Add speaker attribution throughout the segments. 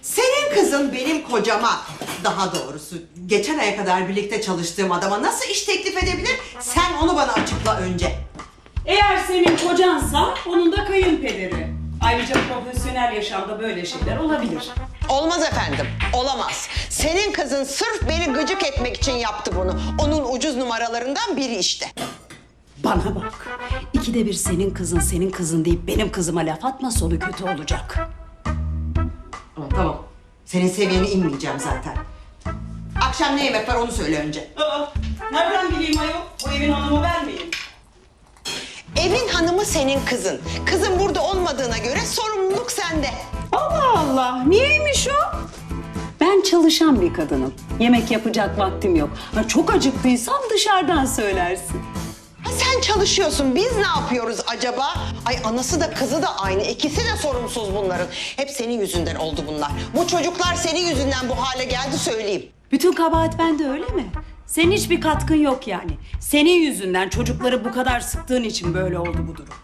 Speaker 1: Senin kızın benim kocama, daha doğrusu geçen aya kadar birlikte çalıştığım adama nasıl iş teklif edebilir? Sen onu bana açıkla önce.
Speaker 2: Eğer senin kocansa onun da kayınpederi. Ayrıca profesyonel yaşamda böyle şeyler olabilir.
Speaker 1: Olmaz efendim, olamaz. Senin kızın sırf beni gıcık etmek için yaptı bunu. Onun ucuz numaralarından biri işte.
Speaker 2: Bana bak. İkide bir senin kızın deyip benim kızıma laf atma, sonu kötü olacak.
Speaker 1: Tamam, senin seviyene inmeyeceğim zaten. Akşam ne yemek var onu söyle önce.
Speaker 2: Nereden bileyim ayol? Bu evin hanımı ben miyim?
Speaker 1: Evin hanımı senin kızın. Kızın burada olmadığına göre sorumluluk sende.
Speaker 2: Allah Allah, niyeymiş o? Ben çalışan bir kadınım. Yemek yapacak vaktim yok. Ha, çok acıktıysam dışarıdan söylersin.
Speaker 1: Ha, sen çalışıyorsun, biz ne yapıyoruz acaba? Ay anası da kızı da aynı, ikisi de sorumsuz bunların. Hep senin yüzünden oldu bunlar. Bu çocuklar senin yüzünden bu hale geldi söyleyeyim.
Speaker 2: Bütün kabahat bende öyle mi? Senin hiçbir katkın yok yani. Senin yüzünden çocukları bu kadar sıktığın için böyle oldu bu durum.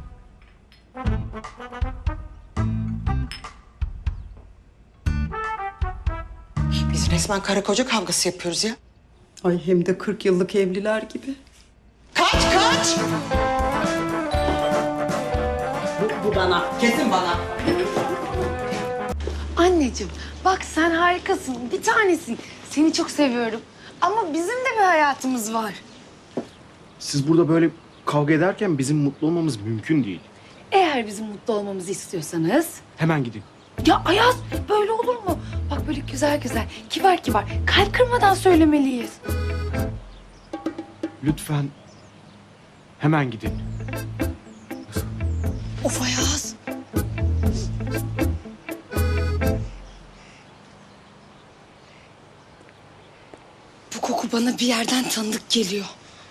Speaker 1: Biz resmen karı koca kavgası yapıyoruz ya.
Speaker 2: Ay hem de 40 yıllık evliler gibi.
Speaker 1: Kaç!
Speaker 2: Bu bana.
Speaker 1: Kesin bana.
Speaker 3: Anneciğim bak sen harikasın, bir tanesin. Seni çok seviyorum. Ama bizim de bir hayatımız var.
Speaker 4: Siz burada böyle kavga ederken bizim mutlu olmamız mümkün değil.
Speaker 3: Eğer bizim mutlu olmamızı istiyorsanız...
Speaker 4: Hemen gidin.
Speaker 3: Ya Ayaz böyle olur mu? Bak böyle güzel güzel, kibar kibar, kalp kırmadan söylemeliyiz.
Speaker 4: Lütfen hemen gidin.
Speaker 3: Of Ayaz. Bu koku bana bir yerden tanıdık geliyor.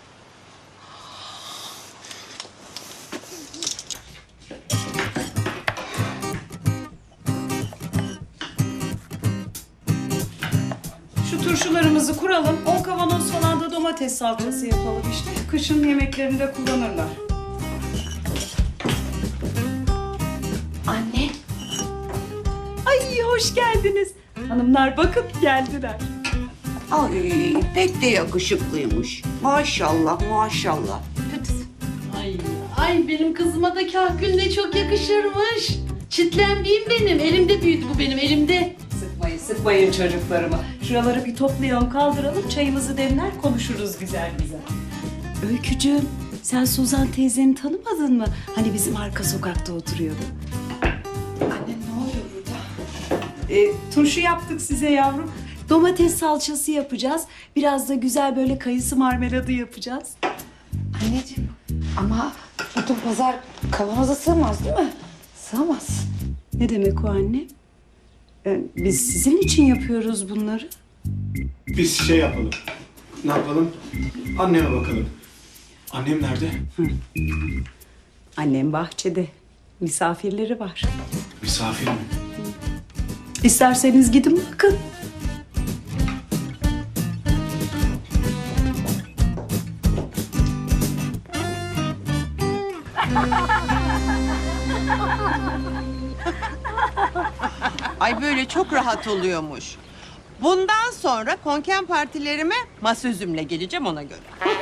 Speaker 2: Şu turşularımızı kuralım. 10 kavanoz falan da domates salçası yapalım işte. Kışın yemeklerinde kullanırlar.
Speaker 3: Anne.
Speaker 2: Ay hoş geldiniz. Hanımlar bakın geldiler.
Speaker 5: Ay pek de yakışıklıymış. Maşallah maşallah.
Speaker 6: Ay benim kızıma da kahkül ne çok yakışırmış. Çitlenmeyeyim benim. Elimde büyüdü bu benim elimde.
Speaker 2: Sıkmayın çocuklarımı. Şuraları bir toplayalım, kaldıralım, çayımızı demler, konuşuruz güzel güzel. Öykücüğüm, sen Suzan teyzeni tanımadın mı? Hani bizim arka sokakta oturuyordu.
Speaker 3: Anne ne oluyor burada?
Speaker 2: Turşu yaptık size yavrum. Domates salçası yapacağız. Biraz da güzel böyle kayısı marmeladı yapacağız.
Speaker 3: Anneciğim ama bütün pazar kavanoza sığmaz değil mi? Sığmaz.
Speaker 2: Ne demek o anne? Biz sizin için yapıyoruz bunları.
Speaker 4: Biz şey yapalım. Ne yapalım? Anneme bakalım. Annem nerede?
Speaker 2: Annem bahçede. Misafirleri var.
Speaker 4: Misafir mi?
Speaker 2: İsterseniz gidin bakın.
Speaker 1: Ay böyle çok rahat oluyormuş. Bundan sonra konken partilerime masa üzümle geleceğim ona göre.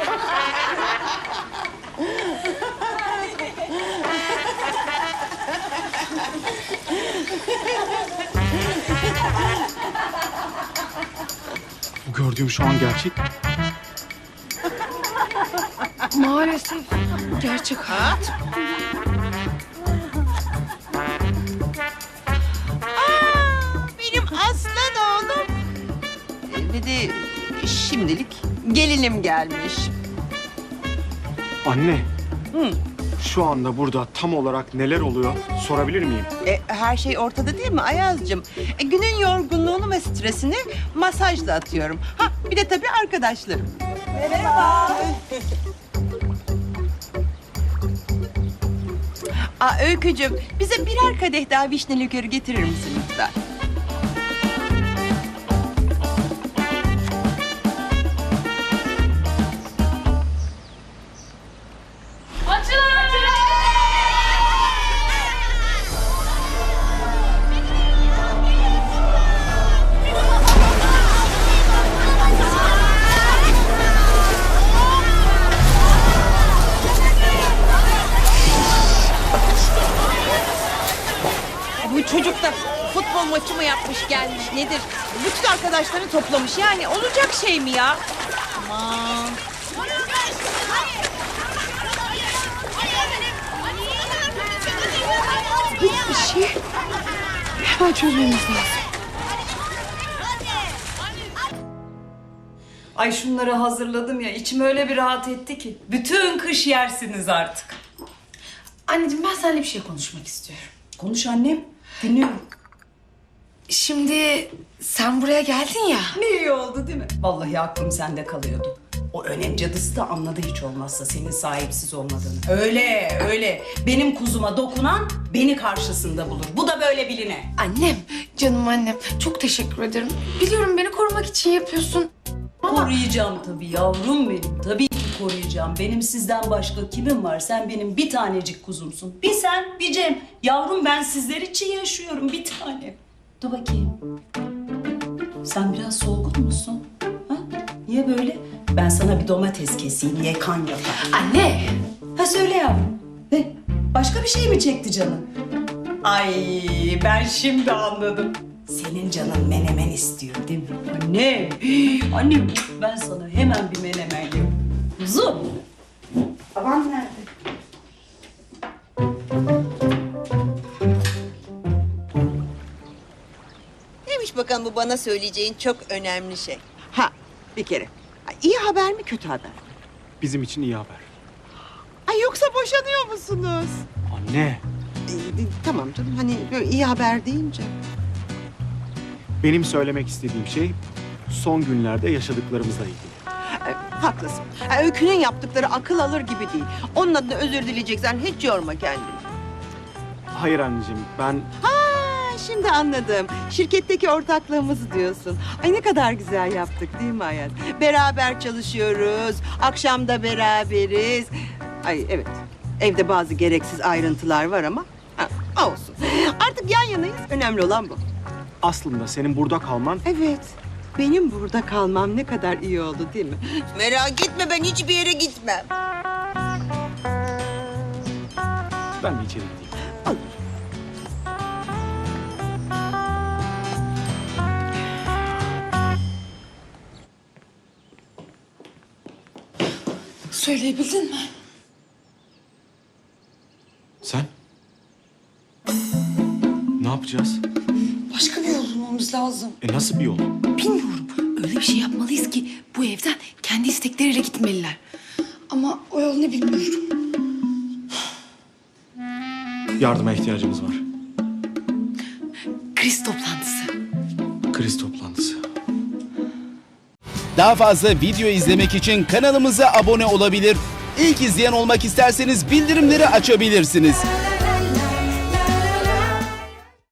Speaker 4: Bu gördüğüm şu an gerçek.
Speaker 3: Maalesef gerçek hayat.
Speaker 1: Benim aslan oğlum. Ve de şimdilik gelinim gelmiş.
Speaker 4: Anne. Şu anda burada tam olarak neler oluyor sorabilir miyim?
Speaker 1: Her şey ortada değil mi Ayaz'cığım? Günün yorgunluğunu ve stresini masajla atıyorum. Ha bir de tabii arkadaşlarım. Merhaba. Öykücüğüm bize birer kadeh daha vişne likörü getirir misin lütfen?
Speaker 7: da futbol maçı mı yapmış gelmiş nedir? Bütün arkadaşlarını toplamış yani olacak şey mi ya? Aman.
Speaker 3: Bir şey hemen çözmemiz lazım.
Speaker 2: Ay şunları hazırladım ya, içim öyle bir rahat etti ki. Bütün kış yersiniz artık.
Speaker 3: Anneciğim ben seninle bir şey konuşmak istiyorum.
Speaker 2: Konuş annem, dinliyorum.
Speaker 3: Şimdi sen buraya geldin ya.
Speaker 2: Ne iyi oldu değil mi? Vallahi aklım sende kalıyordu. O önem cadısı da anladı hiç olmazsa senin sahipsiz olmadığını. Öyle, öyle. Benim kuzuma dokunan beni karşısında bulur. Bu da böyle biline.
Speaker 3: Annem, canım annem çok teşekkür ederim. Biliyorum beni korumak için yapıyorsun.
Speaker 2: Koruyacağım tabii yavrum benim. Tabii ki koruyacağım. Benim sizden başka kimim var? Sen benim bir tanecik kuzumsun. Bir sen, bir Cem. Yavrum ben sizler için yaşıyorum bir tane. Dur bakayım. Sen biraz solgun musun? Ha? Niye böyle? Ben sana bir domates keseyim, ye kan yapar.
Speaker 3: Anne!
Speaker 2: Ha söyle yavrum. Ne? Başka bir şey mi çekti canın? Ay ben şimdi anladım. Senin canın menemen istiyor değil mi? Anne, annem ben sana hemen bir menemen yapayım. Kuzum. Baban nerede?
Speaker 8: Neymiş bakalım bu bana söyleyeceğin çok önemli şey.
Speaker 5: Ha bir kere. Ha, İyi haber mi kötü haber mi?
Speaker 4: Bizim için iyi haber.
Speaker 5: Ay yoksa boşanıyor musunuz?
Speaker 4: Anne,
Speaker 5: Tamam canım hani böyle iyi haber deyince.
Speaker 4: benim söylemek istediğim şey son günlerde yaşadıklarımızla ilgili.
Speaker 5: Haklısın. Öykü'nün yaptıkları akıl alır gibi değil. Onun adına özür dileyeceksen hiç yorma kendini.
Speaker 4: Hayır anneciğim, ben
Speaker 5: Şimdi anladım. Şirketteki ortaklığımızı diyorsun. Ay ne kadar güzel yaptık değil mi hayat? Beraber çalışıyoruz. Akşam da beraberiz. Ay evet. Evde bazı gereksiz ayrıntılar var ama olsun. Artık yan yanayız. Önemli olan bu.
Speaker 4: aslında senin burada kalman
Speaker 5: Evet. Benim burada kalmam ne kadar iyi oldu değil mi?
Speaker 8: Merak etme ben hiçbir yere gitmem.
Speaker 4: ben de içeri gideyim.
Speaker 5: Olur.
Speaker 3: Söyleyebildin mi?
Speaker 4: Sen? Ne yapacağız?
Speaker 3: Başka bir yol bulmamız lazım.
Speaker 4: Nasıl bir yol?
Speaker 3: Bilmiyorum. Öyle bir şey yapmalıyız ki bu evden kendi istekleriyle gitmeliler. Ama o yol ne bilmiyorum.
Speaker 4: Yardıma ihtiyacımız var.
Speaker 3: Kriz toplantısı.
Speaker 4: Kriz toplantısı.
Speaker 9: Daha fazla video izlemek için kanalımıza abone olabilir. İlk izleyen olmak isterseniz bildirimleri açabilirsiniz.